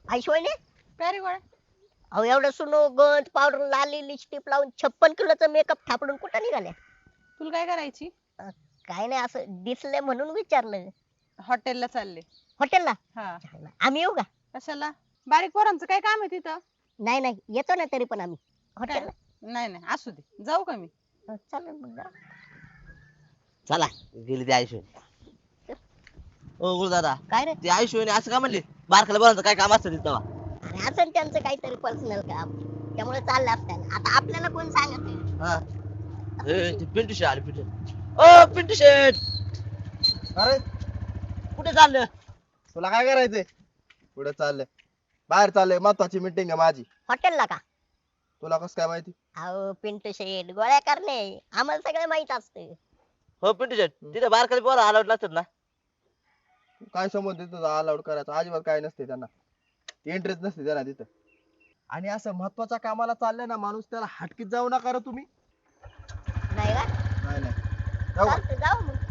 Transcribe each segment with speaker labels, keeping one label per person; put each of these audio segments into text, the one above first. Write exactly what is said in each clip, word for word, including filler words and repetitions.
Speaker 1: ऐश्वर्या
Speaker 2: काय रे गोळ्या?
Speaker 1: अहो एवढं सुनो गंध पावडर लाली लिपस्टिक लावून छप्पन किलोचा मेकअप थापडून कुठं निघाल्या?
Speaker 2: तुला काय करायची?
Speaker 1: अ, काय नाही असं दिसलंय म्हणून विचारलं.
Speaker 2: हॉटेलला चालले.
Speaker 1: हॉटेलला?
Speaker 2: हा.
Speaker 1: आम्ही येऊ का?
Speaker 2: कशाला? बारीक पोरांचं काय काम आहे तिथं?
Speaker 1: नाही नाही येतो ना तरी पण आम्ही
Speaker 2: काय?
Speaker 1: हॉटेलला.
Speaker 2: नाही नाही असू दे, जाऊ का मी?
Speaker 1: अ, चालेल मग जा.
Speaker 3: चला गेली ती आयुष्य. ओ गुरु दादा,
Speaker 1: काय रे?
Speaker 3: ती आयुष्यने असं का म्हणले बारकाला बोलायचं काय काम असतं तिथं?
Speaker 1: अरे असं त्यांचं काहीतरी पर्सनल काम त्यामुळे चाललं असतं. आता आपल्याला कोण सांगत आहे?
Speaker 3: हा ए ती पिंटू शेट आली पिंटू. ओ पिंटू शेट
Speaker 4: अरे
Speaker 3: कुठे चाललं?
Speaker 4: तुला काय करायचंय? पुढे चाललंय, बाहेर चाललंय, महत्वाची मीटिंग आहे माझी.
Speaker 1: हॉटेलला का?
Speaker 4: तुला कसं काय माहिती?
Speaker 1: अहो पिंटू शेट गोळ्या करणे आम्हाला सगळं माहित असतं.
Speaker 3: हो पिंटू शेट तिथे बारकाला बोला अलाउड नसतात ना?
Speaker 4: काय संबंध तुझा अलाउड करायचा? अजिबात काय नसते त्यांना, इंटरेस्ट नसते त्यांना तिथं. आणि असं महत्वाच्या कामाला चाललंय ना माणूस, त्याला हटकीत जाऊ नका रे तुम्ही.
Speaker 1: नाही का?
Speaker 4: नाही नाही जाऊ का?
Speaker 1: चालतं जाऊ मग.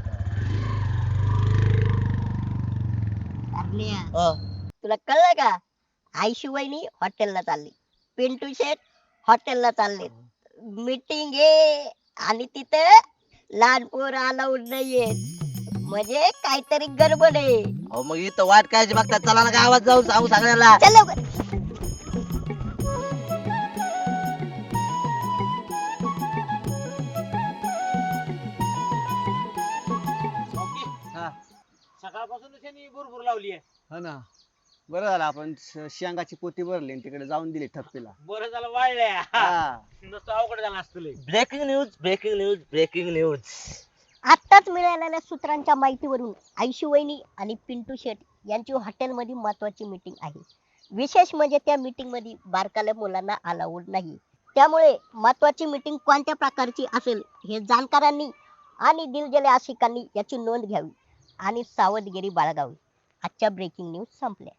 Speaker 1: करण्या,
Speaker 3: हा.
Speaker 1: तुला कळलं का? आयशू वहिनी हॉटेलला चालली, पिंटू शेट हॉटेलला चालले, मीटिंग आहे आणि तिथं लहान पोर अलाउड नाहीये, म्हणजे काहीतरी गडबड आहे.
Speaker 3: अहो मग इथं वाट काय बघतात, चला ना गावात जाऊ सांगू सगळ्याला.
Speaker 1: चल लवकर.
Speaker 5: हा
Speaker 6: सकाळपासून त्यांनी भरपूर लावली आहे.
Speaker 5: हा ना, बरं झालं आपण श- शेंगाची पोती भरली आणि तिकडे जाऊन दिली ठप्पीला.
Speaker 6: बरं झालं वाळल्या.
Speaker 5: हा.
Speaker 6: नुसतं अवघड झालं असतं लय.
Speaker 3: Breaking news breaking news breaking news.
Speaker 1: आत्ताच मिळालेल्या सूत्रांच्या माहितीवरून आयशू वहिनी आणि पिंटू शेट यांची हॉटेलमध्ये महत्वाची मीटिंग आहे. विशेष म्हणजे त्या मीटिंग मध्ये बारकाल्या मुलांना अलाउड नाही. त्यामुळे महत्वाची मीटिंग कोणत्या प्रकारची असेल हे जाणकारांनी आणि दिलगेले आशिकांनी याची नोंद घ्यावी आणि सावधगिरी बाळगावी. आजच्या ब्रेकिंग न्यूज संपल्या.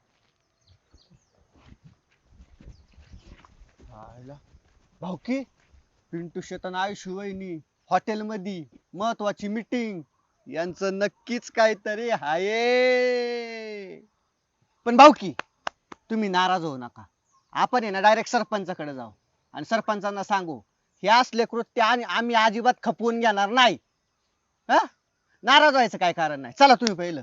Speaker 5: भाऊकी, पिंटू शेतन आयुष्य वहिनी हॉटेल मध्ये महत्वाची मीटिंग, यांचं नक्कीच काहीतरी आहे. पण भाऊकी तुम्ही नाराज होऊ नका, आपण आहे ना डायरेक्ट सरपंचाकडे जाऊ आणि सरपंचांना सांगू हे असले कृत्य आणि आम्ही अजिबात खपवून घेणार नाही. हा, नाराज व्हायचं काय कारण नाही. चला तुम्ही पहिलं.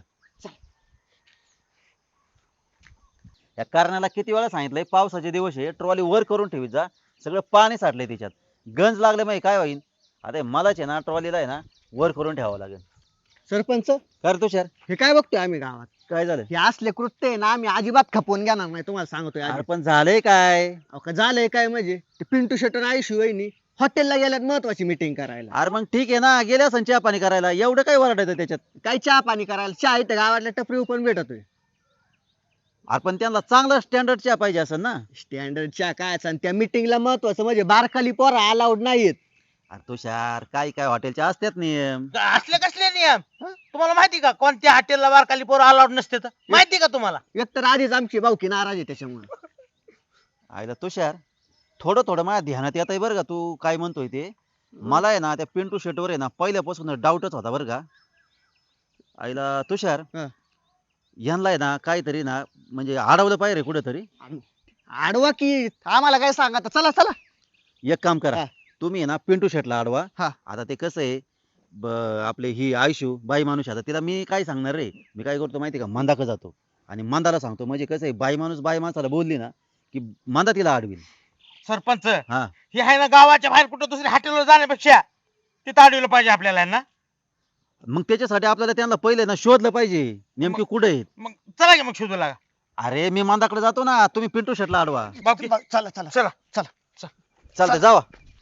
Speaker 7: या कारणाला किती वेळा सांगितलंय, पावसाचे दिवस आहे, ट्रॉली वर करून ठेवी जा, सगळं पाणी साठलंय त्याच्यात, गंज लागले माहिती काय होईल. आता मलाच आहे ना ट्रॉलीला आहे ना वर करून ठेवावं लागेल.
Speaker 5: सरपंच
Speaker 7: कर तुषार,
Speaker 5: हे काय बघतोय आम्ही गावात?
Speaker 7: काय झालं?
Speaker 5: हे असले कृत्य आहे ना आम्ही अजिबात खपवून घेणार नाही, तुम्हाला सांगतोय
Speaker 7: अरे
Speaker 5: आधी.
Speaker 7: पण झालंय काय?
Speaker 5: अहो, का झालंय काय म्हणजे ते पिंटू शेटन आयुष्य वहिनी हॉटेलला गेल्यात महत्वाची मीटिंग करायला.
Speaker 7: अरे मग ठीक आहे ना, गेल्या असं चहा पाणी करायला, एवढं काय वरडायचं त्याच्यात?
Speaker 5: काय चहा पाणी करायला? चहा इथं गावातल्या टपरी पण भेटतोय.
Speaker 7: अरे पण त्यांना चांगला स्टँडर्ड चहा पाहिजे असं ना.
Speaker 5: स्टँडर्ड चहा काय? आणि त्या मीटिंगला महत्वाचं म्हणजे बारकाली पोरा अलाउड नाहीत.
Speaker 7: अरे तुषार, काय काय हॉटेलचे असतात नियम.
Speaker 6: असले कसले नियम? तुम्हाला माहिती का कोणत्या हॉटेलला बारकाली पोरं अलाउड नसते तर? माहिती का तुम्हाला?
Speaker 5: एक तर आधीच आमची भाऊकी नाराज आहे त्याच्यामुळे.
Speaker 7: आईला तुषार, थोडं थोडं माझ्या ध्यानात येत आहे बरं का तू काय म्हणतोय ते. मला आहे ना त्या पिंटू शेटवर आहे ना पहिल्यापासून डाऊटच होता बरं का. आईला तुषार,
Speaker 5: हा.
Speaker 7: यांना आहे ना काहीतरी ना म्हणजे अडवलं पाहिजे कुठेतरी.
Speaker 5: आडवा की आम्हाला काय सांगा आता. चला चला.
Speaker 7: एक काम करा,
Speaker 5: हा.
Speaker 7: तुम्ही आहे ना पिंटू शेटला अडवा.
Speaker 5: हा.
Speaker 7: आता ते कसं आहे, ब- आपले ही आयशू बाई माणूस आहे, आता तिला मी काय सांगणार रे. मी काय करतो माहिती का, मंदाक जातो आणि मंदाला सांगतो, म्हणजे कसं आहे बाई माणूस बाई माणसाला बोलली ना की मंदा तिला अडवील.
Speaker 6: सरपंच
Speaker 7: हा,
Speaker 6: हे आहे ना गावाच्या बाहेर कुठं दुसऱ्या हॉटेलवर जाण्यापेक्षा तिथं अडवलं पाहिजे आपल्याला ना.
Speaker 7: मग त्याच्यासाठी आपल्याला त्यांना पहिले ना शोधलं पाहिजे नेमके कुठे आहेत.
Speaker 6: मग चला की मग शोधू लागा.
Speaker 7: अरे मी मंदाकडे जातो ना, तुम्ही पिंटू शेटला अडवा.
Speaker 6: बाकी
Speaker 5: चला चला
Speaker 6: चला.
Speaker 5: चला.
Speaker 7: चालतंय जावा.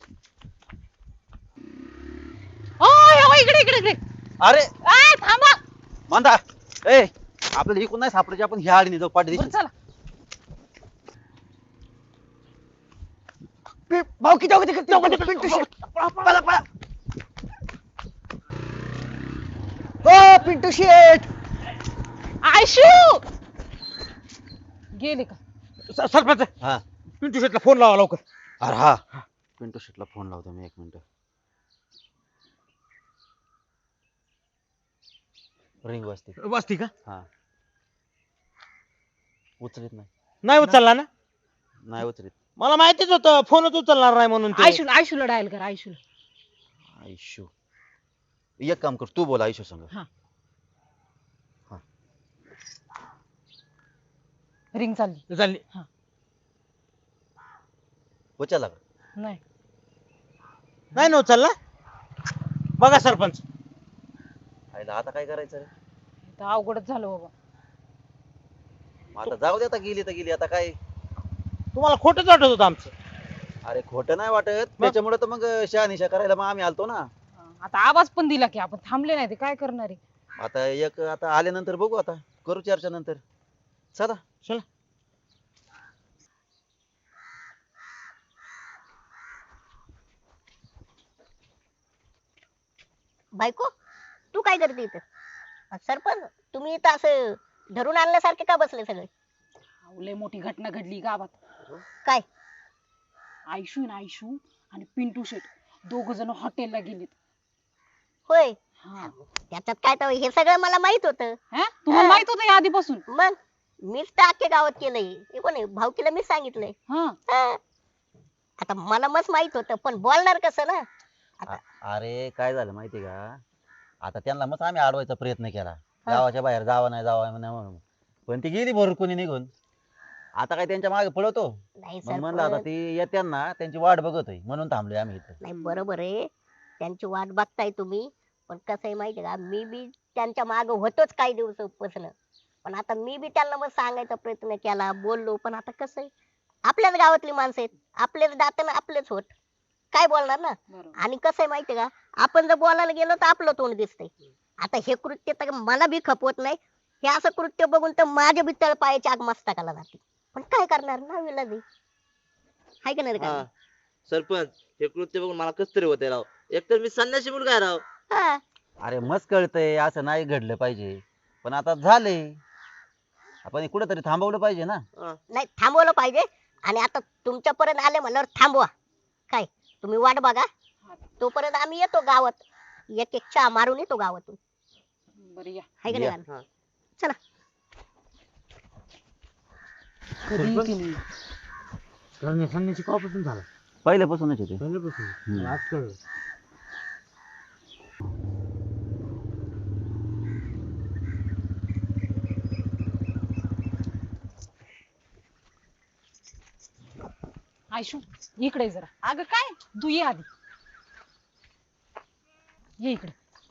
Speaker 2: ओय ओय, इकडे इकडे इकडे.
Speaker 7: अरे
Speaker 2: आय थांबा.
Speaker 7: मंदा, ए आपल्याला इकडून नाही सापडायचे, आपण ह्या आडीने जाऊ पाठी
Speaker 2: बरं, चला.
Speaker 5: भाऊकी जाऊ तिकडे, जाऊ तिकडे, पिंटू शेट. पळा पळा. हो पिंटू शेट.
Speaker 2: आयशू गेली का?
Speaker 6: स- सरपंच
Speaker 7: हा.
Speaker 6: पिंटू शेटला फोन लावा लवकर.
Speaker 7: अरे हा, पिंटू शेटला फोन लावतो मी, एक मिनिट. रिंग वाजते.
Speaker 6: वाजती का?
Speaker 7: हा, उचलत नाही.
Speaker 6: नाही उचलला ना
Speaker 7: नाही उचलीत.
Speaker 6: मला माहितीच होतं फोनच उचलणार नाही म्हणून ते.
Speaker 2: आयशूला आयशूला डायल कर आयशूला.
Speaker 7: आयुष्य एक काम कर, तू बोल आयुष्य संग.
Speaker 2: रिंग चालली.
Speaker 6: झाली
Speaker 7: उचलला का?
Speaker 2: नाही
Speaker 6: नाही ना उचलला. बघा सरपंच
Speaker 7: आईला आता काय करायचं रे?
Speaker 2: आता अवघडच झालं बाबा.
Speaker 7: मग आता जाऊ दे, आता गेली तर गेली, आता काय.
Speaker 6: तुम्हाला खोटंच वाटत होतं आमचं.
Speaker 7: अरे खोटं नाही वाटत, त्याच्यामुळे तर मग शहानिशा करायला मग आम्ही आलतो ना.
Speaker 2: आता आवाज पण दिला की आपण थांबले नाही ते काय करणार आहे.
Speaker 7: आता एक आता आल्यानंतर बघू, आता करू चर्चा नंतर. चला
Speaker 6: चला
Speaker 1: बायको तू काय करते इथं? अ, सरपंच तुम्ही इथं असं धरून आणल्यासारखे का बसले सगळे?
Speaker 2: अहो, लय मोठी घटना घडली गावात.
Speaker 1: काय?
Speaker 2: आयशू आहे ना आयशू आणि पिंटू शेट दोघ जण हॉटेलला गेलेत.
Speaker 1: होय,
Speaker 2: हा
Speaker 1: त्याच्यात काय तर हे सगळं मला माहित होतं.
Speaker 2: हा? तुम्हाला माहित होतं या आधीपासून?
Speaker 1: मग मीच तर अख्ख्या गावात केलंय. हे कोण आहे? भाऊकीला मीच सांगितलंय.
Speaker 2: हा
Speaker 1: हा. आता मला मस्त माहित होतं, पण बोलणार कसं ना?
Speaker 7: अ- अरे काय झालं माहिती का, आता त्यांना मग आम्ही अडवायचा प्रयत्न केला, गावाच्या बाहेर जावं नाही जावं नाही म्हणून, पण ती गेली भरकुनी निघून. आता काय त्यांच्या मागे पळवतो?
Speaker 1: नाही
Speaker 7: मग म्हणलं आता
Speaker 1: सरपंच,
Speaker 7: ती येत्या ना, त्यांची वाट बघतोय म्हणून थांबलोय आम्ही इथं.
Speaker 1: नाही बरोबर आहे, त्यांची वाट बघताय तुम्ही. पण कसं आहे माहिती का, मी बी त्यांच्या मागे होतोच काही दिवसापासून. पण आता मी बी त्यांना मग सांगायचा प्रयत्न केला, बोललो, पण आता कसं आहे, आपल्याच गावातली माणसं आहेत, आपलेच दात ना आपलेच होत, काय बोलणार ना?
Speaker 2: बरोबर.
Speaker 1: आणि कसं आहे माहितीये का, आपण जर बोलायला गेलो तर आपलं तोंड दिसतंय. आता हे कृत्य तर मला बी खपवत नाही. हे असं कृत्य बघून तर माझ्या बी तळपायाची आग मस्तकाला जाते. पण काय करणार ना, विलाजी हाय का नाही रे
Speaker 3: हा
Speaker 1: का?
Speaker 3: सरपंच हे कृत्य बघून मला कस तरी होते राव. एकतर मी संन्यासी मुलगा आहे राव.
Speaker 1: हा.
Speaker 7: अरे मस्त कळतंय असं नाही घडलं पाहिजे, पण आता झालंय, आपण कुठेतरी थांबवलं पाहिजे ना.
Speaker 3: हा.
Speaker 1: नाही थांबवलं पाहिजे. आणि आता तुमच्यापर्यंत आले म्हणल्यावर थांबवा. काय तुम्ही वाट बघा, तोपर्यंत आम्ही येतो गावात, एक एक चहा मारून येतो गावातून,
Speaker 2: बरं या.
Speaker 1: हाय का
Speaker 7: या.
Speaker 1: नाही
Speaker 3: हा.
Speaker 1: का? चला.
Speaker 2: कधी केली?
Speaker 6: संन्यासी कवापासून झाला?
Speaker 7: पहिल्यापासूनच होते.
Speaker 6: पहिल्यापासून
Speaker 7: हम्म.
Speaker 6: आज कळलं.
Speaker 2: आयशू इकडे ये जरा. अगं काय तू ये आधी, ये इकडे.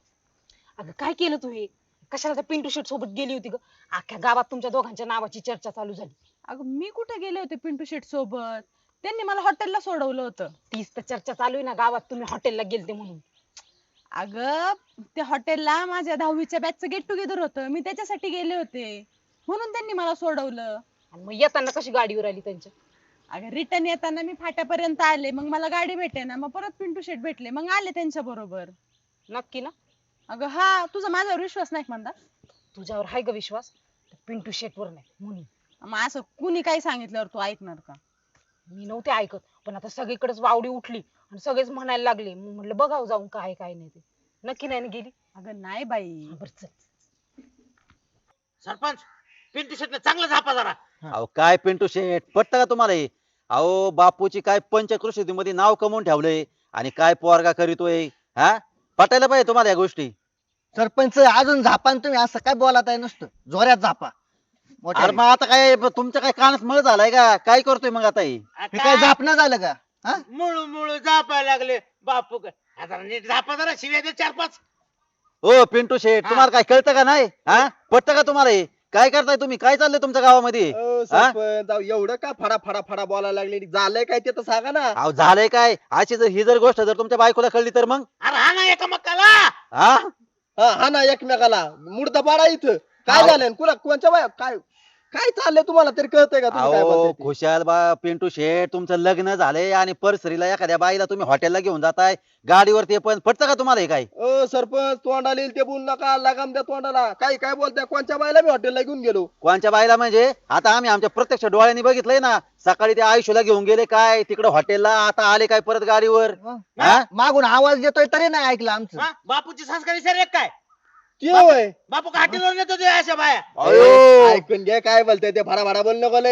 Speaker 2: अगं काय केलं तू हे? कशाला त्या पिंटू शेट सोबत गेली होती ग? अख्ख्या गावात तुमच्या दोघांच्या नावाची चर्चा चालू झाली.
Speaker 8: अगं मी कुठे गेले होते पिंटू शेट सोबत? त्यांनी मला हॉटेलला सोडवलं होतं.
Speaker 2: तीच तर चर्चा चालू आहे ना गावात, तुम्ही हॉटेलला गेलते म्हणून.
Speaker 8: अगं त्या हॉटेलला माझ्या दहावीच्या बॅचचं गेट टुगेदर होतं, मी त्याच्यासाठी गेले होते, म्हणून त्यांनी मला सोडवलं.
Speaker 2: आणि मग येताना कशी गाडीवर आली त्यांच्या?
Speaker 8: अगं रिटर्न येताना मी फाट्यापर्यंत आले, मग मला गाडी भेटे ना, मग परत पिंटू शेट भेटले, मग आले त्यांच्या बरोबर.
Speaker 2: नक्की ना?
Speaker 8: अगं हा, तुझा माझ्यावर विश्वास नाही म्हणता?
Speaker 2: तुझ्यावर हाय ग विश्वास, त्या पिंटू शेट वर नाही म्हणून.
Speaker 8: मग असं कुणी काही सांगितल्यावर तू ऐकणार का?
Speaker 2: मी नव्हते ऐकत, पण आता सगळीकडेच वावडी उठली आणि सगळेच म्हणायला लागले. मग म्हटलं बघावं जाऊन काय काय नाही ते. नक्की नाही ना गेली?
Speaker 8: अगं नाही बाई.
Speaker 2: बरं चल.
Speaker 6: सरपंच पिंटू शेटने चांगला झापा जरा.
Speaker 7: अहो काय पिंटू शेठ, पटतं का तुम्हाला हे? अहो बापूची काय पंचकृषीमध्ये नाव कमवून ठेवलंय, आणि काय पोरगा करीतोय, हा? पटायला पाहिजे तुम्हाला या गोष्टी.
Speaker 5: सरपंच अजून झापान तुम्ही असं काय बोलत आहे? नुसतं जोऱ्यात झापा मोठ्या.
Speaker 7: अरे मग आता काय तुमच्या काय कानात मळ झालाय का? काय करतोय मग आता हे?
Speaker 5: हे काय झापणं झालं का? हा?
Speaker 6: मुळू मुळू झापायला लागले बापू काय. आता नीट झापा जरा, शिव्या दे चार पाच.
Speaker 7: ओ पिंटू शेठ,
Speaker 6: हा.
Speaker 7: तुम्हाला काय कळतं का नाही? हा पटतं का तुम्हाला हे? काय करताय तुम्ही? काय चाललंय तुमच्या गावामध्ये?
Speaker 4: अ, सरपंच अहो, एवढं का फडा फडा फडा बोलायला लागले? झालंय काय ते तर सांगा ना.
Speaker 7: अहो झालंय काय? अशी जर ही जर गोष्ट जर तुमच्या बायकोला कळली तर मग?
Speaker 6: अरे हा ना एका मक्काला.
Speaker 7: हा
Speaker 4: हा हा ना, एकमेकाला मुर्दा पाडा इथं. काय
Speaker 7: अहो.
Speaker 4: झालंय? कुणा कोणच्या बाया काय काय चाललंय तुम्हाला तरी कळतंय का? तुम्ही काय
Speaker 7: अहो
Speaker 4: बोलताय ते?
Speaker 7: खुशाल बा पिंटू शेठ, तुमचं लग्न झालंय आणि परसरीला एखाद्या बाईला तुम्ही हॉटेलला घेऊन जाताय गाडीवर, ते पण पटतं का तुम्हाला हे? काय
Speaker 4: अ सरपंच तोंडाला येईल ते बोलू नका, लगाम द्या तोंडाला. काय काय बोलताय? कोणच्या बायला मी हॉटेलला घेऊन गेलो?
Speaker 7: कोणच्या बाईला म्हणजे? आता आम्ही आमच्या प्रत्यक्ष डोळ्यांनी बघितलंय ना, सकाळी ते आयुष्याला घेऊन गेले काय तिकडे हॉटेलला, आता आले काय परत गाडीवर. हा?
Speaker 5: मागून आवाज देतोय तरी नाही ऐकलं आमचं.
Speaker 6: हा? बापूची संस्कार विचार एक काय.
Speaker 4: ते होय.
Speaker 6: बापू का हॉटेलवर नेतो ते अशा बाया.
Speaker 7: अयो.
Speaker 4: ऐकून घे काय बोलताय ते, भडा भडा बोल नको लय.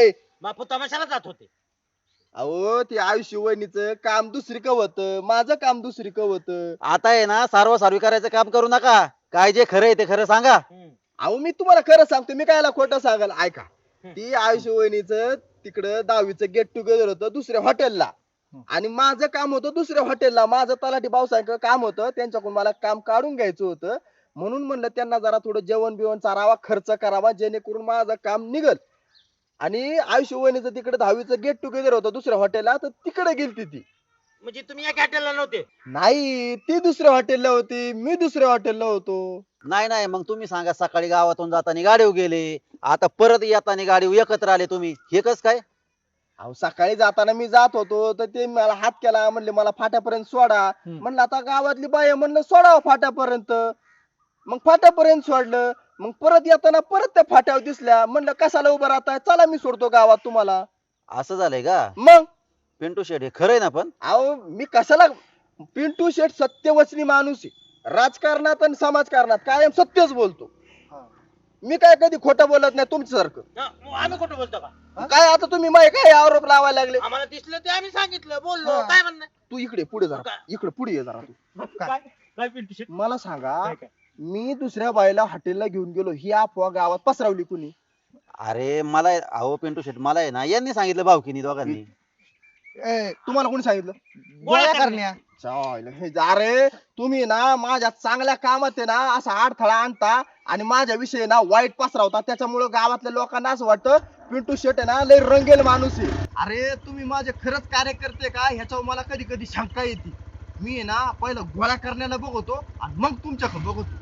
Speaker 6: बापू तमाशाला जात होते.
Speaker 4: अहो ते आयुष्य वहिनीचं काम दुसरीक होतं, माझं काम दुसरीक होतं.
Speaker 7: आता आहे ना सारवा सारवी करायचं काम करू नका. काय जे खरं आहे ते खरं सांगा.
Speaker 6: हम्म.
Speaker 4: अहो मी तुम्हाला खरं सांगतो, मी कायला खोटं सांगाल. ऐका,
Speaker 6: हम्म.
Speaker 4: ती आयुष्य वहिनीचं तिकडं दहावीचं गेट टुगेदर होतं दुसऱ्या हॉटेलला, आणि माझं काम होतं दुसऱ्या हॉटेलला. माझं तलाठी भाऊसाहेब काम होतं, त्यांच्याकडून मला काम काढून घ्यायचं होतं. म्हणून म्हणलं त्यांना जरा थोडं जेवण बिवण चारावा, खर्च करावा, जेणेकरून माझं काम निघल. आणि आयुष्य वहिनीचं तिकडे दहावीचं गेट टुगेदर होतं दुसऱ्या हॉटेलला, तर तिकडे गेलती ती.
Speaker 6: म्हणजे तुम्ही या हॉटेलला नव्हते?
Speaker 4: नाही, ती दुसऱ्या हॉटेलला होती, मी दुसऱ्या हॉटेलला होतो.
Speaker 7: नाही नाही मग तुम्ही सांगा, सकाळी गावातून जाताना गाडीवर गेले, आता परत येताना गाडीवर एकत्र आले तुम्ही, हे कस काय?
Speaker 4: अहो सकाळी जाताना मी जात होतो, तर ते मला हात केला, म्हणले मला फाट्यापर्यंत सोडा. म्हणलं आता गावातली बाई आहे, म्हणलं सोडावं फाट्यापर्यंत. मग फाट्यापर्यंत सोडलं. मग परत येताना परत त्या फाट्यावर दिसल्या, म्हणलं कशाला उभं राहताय, चला मी सोडतो गावात तुम्हाला.
Speaker 7: असं झालंय का?
Speaker 4: मग
Speaker 7: पिंटू शेट हे खरंय ना? पण
Speaker 4: अहो मी कशाला, पिंटू शेठ सत्यवचनी माणूस आहे. राजकारणात आणि समाजकारणात कायम सत्यच बोलतो. मी काय कधी खोटं बोलत नाही तुमच्यासारखं.
Speaker 6: हा, मग आम्ही कुठं बोलतो का?
Speaker 4: काय आता तुम्ही माय काय आरोप लावायला लागले?
Speaker 6: आम्हाला दिसलं ते आम्ही सांगितलं, बोललो.
Speaker 4: हा.
Speaker 6: काय म्हणणं?
Speaker 4: तू इकडे पुढे जरा,
Speaker 6: काय?
Speaker 4: इकडे पुढे ये जरा तू.
Speaker 6: काय काय पिंटू शेट?
Speaker 4: मला सांगा,
Speaker 6: काय काय?
Speaker 4: मी दुसऱ्या बाईला हॉटेलला घेऊन गेलो, ही अफवा गावात पसरवली कुणी?
Speaker 7: अरे मला अहो पिंटू शेट मला आहे ना यांनी सांगितलं भाऊकीनी दोघांनी.
Speaker 4: ए, तुम्हाला कोणी सांगितलं?
Speaker 6: गोळ्या करण्या.
Speaker 4: चालेल. हे जा रे, तुम्ही ना माझ्या चांगल्या कामात आहे ना असा अडथळा आणता आणि माझ्या विषयी ना वाईट पसरवता. त्याच्यामुळे गावातल्या लोकांना असं वाटतं पिंटू शेट आहे ना लय रंगेल माणूस आहे. अरे तुम्ही माझे खरंच कार्यकर्ते का, ह्याच्यावर मला कधी कधी शंका येते. मी आहे ना पहिलं गोळ्या करण्याला बघतो आणि मग तुमच्याकडे बघतो.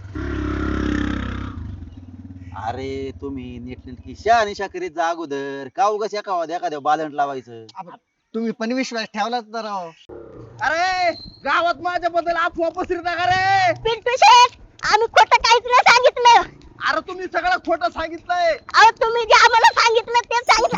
Speaker 7: अरे तुम्ही नीटनेटकी शहानिशा करीत जा अगोदर, का उगाच एका एखाद्या बालंट लावायचं.
Speaker 5: तुम्ही पण विश्वास ठेवलाच तर राव.
Speaker 4: अरे गावात माझ्याबद्दल अफवा पसरता का रे?
Speaker 1: पिंटू शेठ, आम्ही खोटं काहीच नाही सांगितलं.
Speaker 4: अरे तुम्ही सगळं खोटं सांगितलंय.
Speaker 1: अहो तुम्ही जे आम्हाला सांगितलं ते सांगितलं.